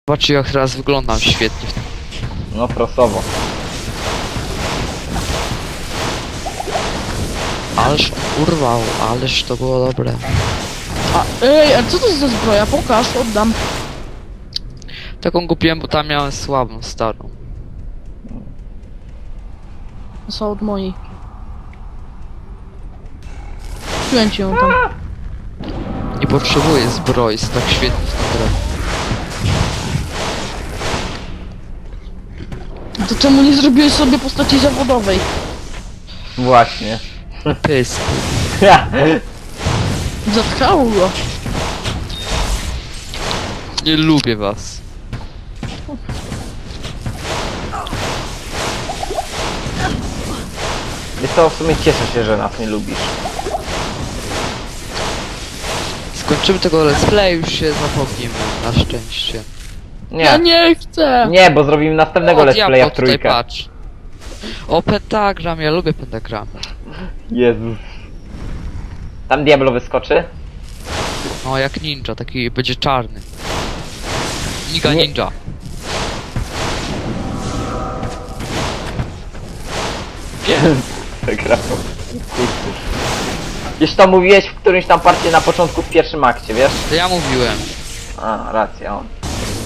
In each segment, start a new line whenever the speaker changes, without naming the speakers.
Zobaczcie jak teraz wyglądam świetnie.
No prosowo.
Ależ urwał, ależ to było dobre.
Ej, a co to jest za zbroja? Pokaż, oddam.
Taką kupiłem, bo tam miałem słabą, starą.
To są od mojej. Kupiłem ci ją tam.
Nie potrzebuję zbroi, jest tak świetnie w tą grę.
To czemu nie zrobiłeś sobie postaci zawodowej?
Właśnie.
Pysk.
Zatkało go.
Nie lubię was.
Wiesz co, w sumie cieszę się, że nas nie lubisz.
Skończymy tego let's play, już się zapomnimy, na szczęście.
Ja
Nie.
nie chcę.
Nie, bo zrobimy następnego let's
diablo,
playa w
tutaj
trójkę.
patrz. O, pentagram, ja lubię pentagram.
Jezus. Tam Diablo wyskoczy?
No, jak ninja, taki będzie czarny. Niga
Nie.
ninja. Wiem.
Przegrał. Już to mówiłeś w którymś tam parcie na początku w pierwszym akcie, wiesz?
To ja mówiłem.
A, racja, on.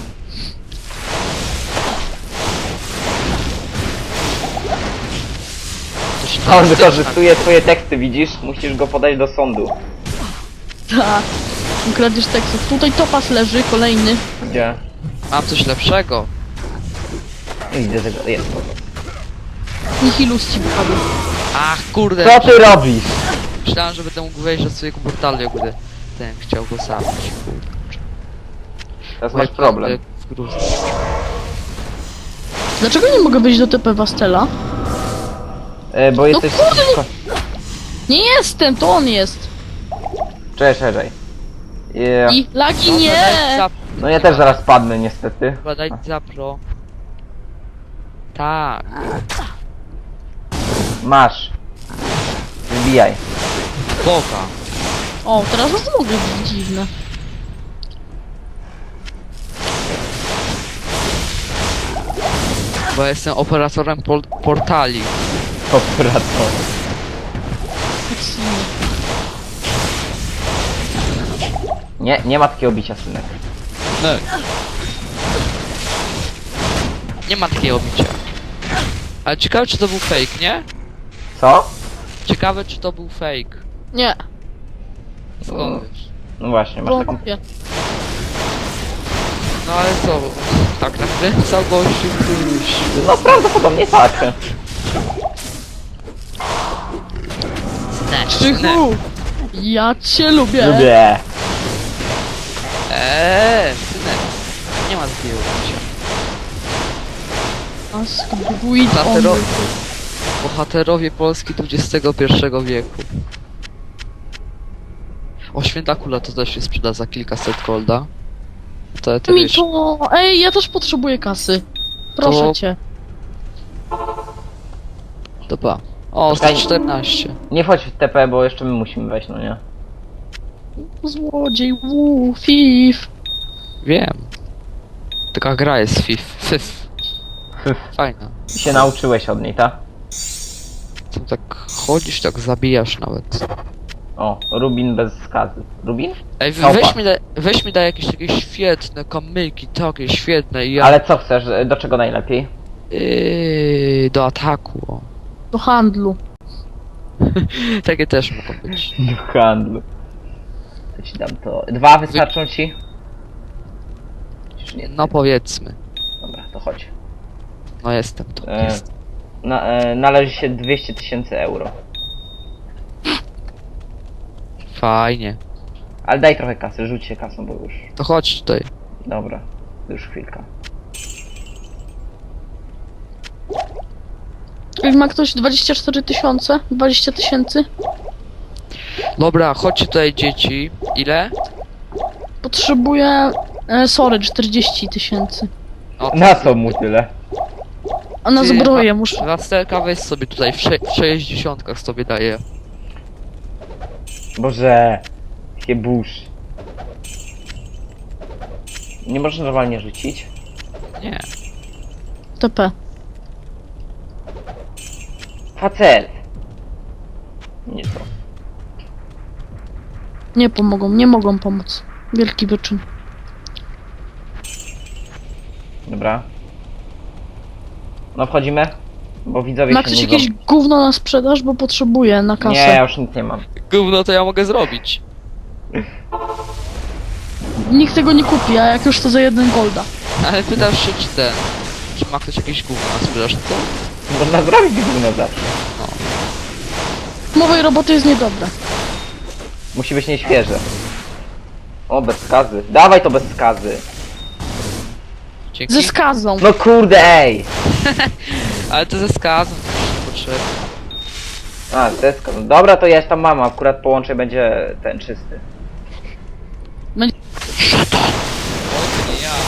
On wykorzystuje twoje teksty, widzisz? Musisz go podać do sądu.
Tak. Ukradziesz tekstów. Tutaj topas leży, kolejny.
Gdzie?
Mam coś lepszego.
Nie widzę tego, jest.
Nihilus ci wypadł.
Ach, kurde.
Co ty robisz?
Myślałem, że będę mógł wejść do swojego portalu, jak będę ten chciał go zabić. Kurczę.
Teraz masz problem.
W gruzę.
Dlaczego nie mogę wejść do TP Wastela?
Bo jesteś...
kurde, Nie jestem, to on jest.
Czekaj. Yeah.
I lagi
Dobra,
nie.
daj za...
No ja też zaraz padnę niestety.
Chyba daj za pro. Tak.
Masz. Wbijaj.
Boga.
O, teraz was mogę być dziwne.
Bo jestem operatorem portali.
Operator. Nie ma takiego bicia, synek.
No. Nie ma takiego bicia. Ale ciekawe czy to był fake, nie?
Co?
Ciekawe czy to był fake.
Nie,
Skąd wiesz?
No właśnie, masz taką...
wątpię.
No ale co? Tak nakręcał gościu któryś.
No prawdopodobnie tak.
Krzychu! Ja cię lubię.
Lubię.
Synek. Nie ma takiego bicia.
Ask Druid
Bohatero...
on.
Bohaterowie Polski XXI wieku. O, święta kula to też się sprzeda za kilkaset golda. To
Mi
wiesz,
to... Ej, ja też potrzebuję kasy. Proszę
To-
cię.
to pa. O,
Czekaj.
114.
Nie wchodź w TP, bo jeszcze my musimy wejść, no nie?
Złodziej, fif.
Wiem. Taka gra jest FIF. Fajna.
I się nauczyłeś od niej, tak?
Co tak chodzisz, tak zabijasz nawet.
O, Rubin bez skazy. Rubin?
Ej,
Małpa.
weź mi daj jakieś takie świetne kamyki, takie świetne i ja...
Ale co chcesz? Do czego najlepiej?
Do ataku, o.
Do handlu.
Takie też mogą być.
Do handlu. To ci dam to. 2 wystarczą ci? Czy nie?
No powiedzmy.
Dobra, to chodź.
No jestem tu, jestem.
Należy się 200 000 euro.
Fajnie.
Ale daj trochę kasy, rzuć się kasą, bo już...
To chodź tutaj.
Dobra, już chwilka.
Jak ma ktoś 24 000? 20 000?
Dobra, chodźcie tutaj dzieci. Ile?
Potrzebuję... sorry, 40 000.
O,
Na co mu tyle?
A na
Ty,
zbroję muszę...
Rastelka weź sobie tutaj, w 60 sobie daję.
Boże... Jakie burz. Nie można normalnie rzucić?
Nie.
TP.
Facet! Nie to.
Nie pomogą, nie mogą pomóc. Wielki wyczyn.
Dobra. No wchodzimy? Bo widzowie
Ma
się
ktoś
nudzą.
jakieś gówno na sprzedaż, bo potrzebuje na kasę.
Nie, ja już nic nie mam.
Gówno to ja mogę zrobić.
Nikt tego nie kupi, a jak już to za 1 golda.
Ale pytasz się, czy ma ktoś jakieś gówno na sprzedaż, to?
Można zrobić gówno zawsze.
Mowej roboty jest niedobre.
Musi być nieświeże. O, bez skazy. Dawaj to bez skazy.
Dzięki.
Ze skazą.
No kurde, ej!
Ale to ze skazą też potrzebne.
A, deska. No dobra, to ja tam mam. Akurat połączę będzie ten czysty.
O, to nie ja.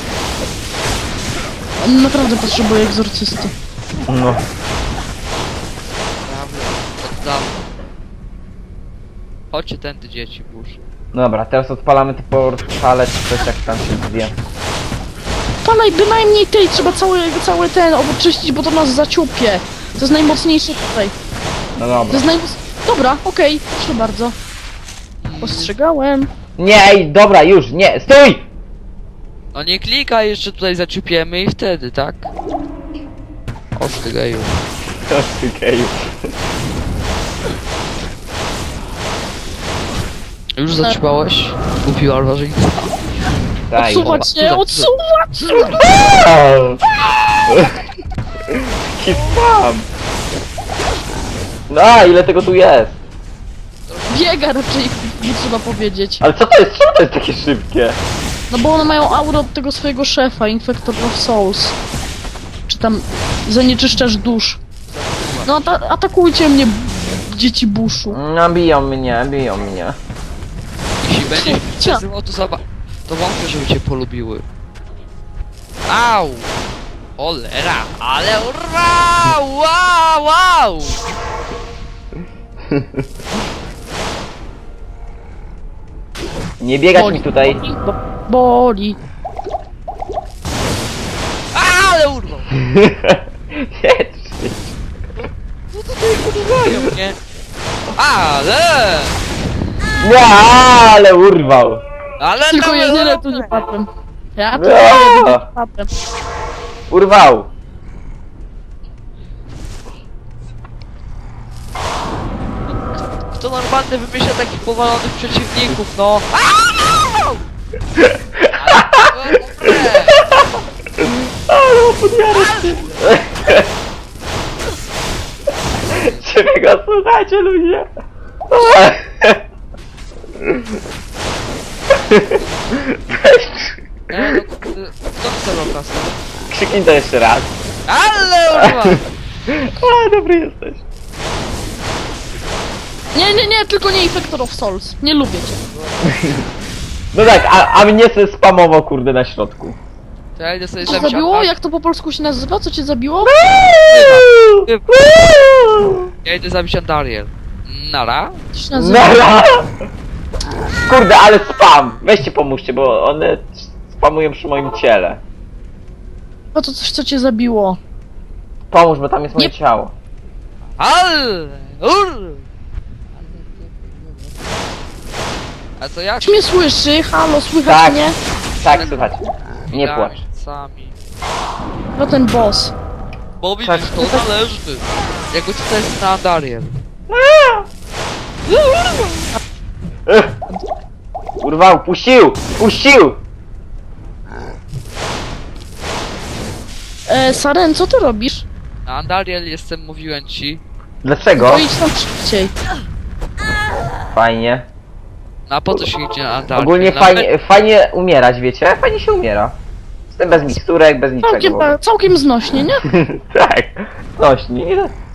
On naprawdę potrzebuje egzorcysty.
No.
Prawda, od dawna. Chodźcie tędy, dzieci, burz.
Dobra, teraz odpalamy te portale, czy coś jak tam się zwie.
Palaj bynajmniej tej, trzeba cały ten oczyścić, bo to nas zaciupie. To jest najmocniejszy tutaj.
No
To
dobra.
jest Dobra, okej, proszę bardzo. Ostrzegałem.
Nie, ej, dobra, już, nie, stój!
No nie klikaj, jeszcze tutaj zaciupiemy i wtedy, tak? O ty geju.
Okej.
Już zaciupałeś? Kupiła barbarzyńca.
Daj.
Odsuwać
dobra,
się,
tutaj,
odsuwać!
Jaki spam! No, ile tego tu jest?
Biega raczej, nie trzeba powiedzieć.
Ale co to jest? Czemu to jest takie szybkie?
No bo one mają aurę od tego swojego szefa, Infector of Souls. Czy tam zanieczyszczasz dusz. No atakujcie mnie, dzieci buszu.
No, biją mnie, biją mnie.
Jeśli będziesz
Cia.
przezywał, to wątpię, żeby cię polubiły. Au! Olera, ale urra! Wow, wow!
Nie biegać mi tutaj.
Boli.
Ale urwał!
Jedź.
No tutaj urwają mnie. Ale!
Nie, ale urwał.
Ale
Tylko
to
jedyne tu nie padłem. Ja tu
No.
jedynie padłem.
Urwał.
Kto normalnie wymyśla takich powalonych przeciwników, no? Au! Ale to było dobre.
Ale podjarę. Ciebie go słuchajcie, ludzie.
No, kto chce rokas?
Krzyknij to jeszcze raz.
Ale urwał!
A, dobry jesteś.
Nie, tylko nie Infector of Souls. Nie lubię cię.
No tak, a mnie se spamował kurde na środku.
To ja idę sobie
Co
zabić
zabiło?
Antar-
Jak to po polsku się nazywa? Co cię zabiło?
Ja idę zabić Andariel. Nara?
Co się nazywa?
Nara! Kurde, ale spam! Weźcie pomóżcie, bo one spamują przy moim ciele.
No to coś, co cię zabiło.
Pomóż, bo tam jest moje
Nie-
ciało.
Ale! A to jak?
Czy mnie słyszy? Halo, słychać
Tak.
mnie?
Tak, słychać. Nie płacz.
Sami.
No ten boss.
Bo widzisz, to należy. Jakby to jest na Andariel.
Ech. Urwał, puścił! Puścił!
Saren, co ty robisz?
Na Andariel jestem, mówiłem ci.
Dlaczego?
To idź tam szybciej.
Fajnie.
No a po co się idzie na Andariel?
Ogólnie
Na
fajnie umierać, wiecie? Fajnie się umiera. Jestem bez miksturek, bez niczego.
Całkiem znośnie, nie?
Tak. Nośni.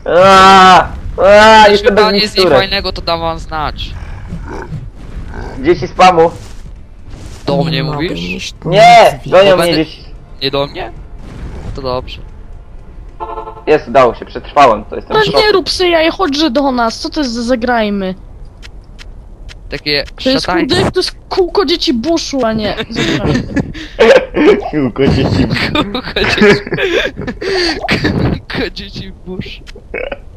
Jeśli
Jestem bez
pan jest nic
miksturek.
fajnego, to dam wam znać.
Dzieci spamu.
Do mnie mówisz?
Nie! Gonią
Bo
mnie
będę-
dzieci.
Nie do mnie? To dobrze.
Jest, udało się, przetrwałem, to jestem
No
w szoku.
nie rób syjaj, chodźże do nas, co to jest za zagrajmy?
takie
To jest
szatańce.
kurde, to jest kółko dzieci buszu, a nie... Zapraszam.
Kółko dzieci.
Kółko dzieci w burz.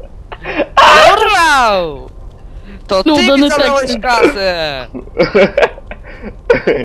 Dorwał! To ty
No,
mi
dany
zabrałeś
tekst.
kasę!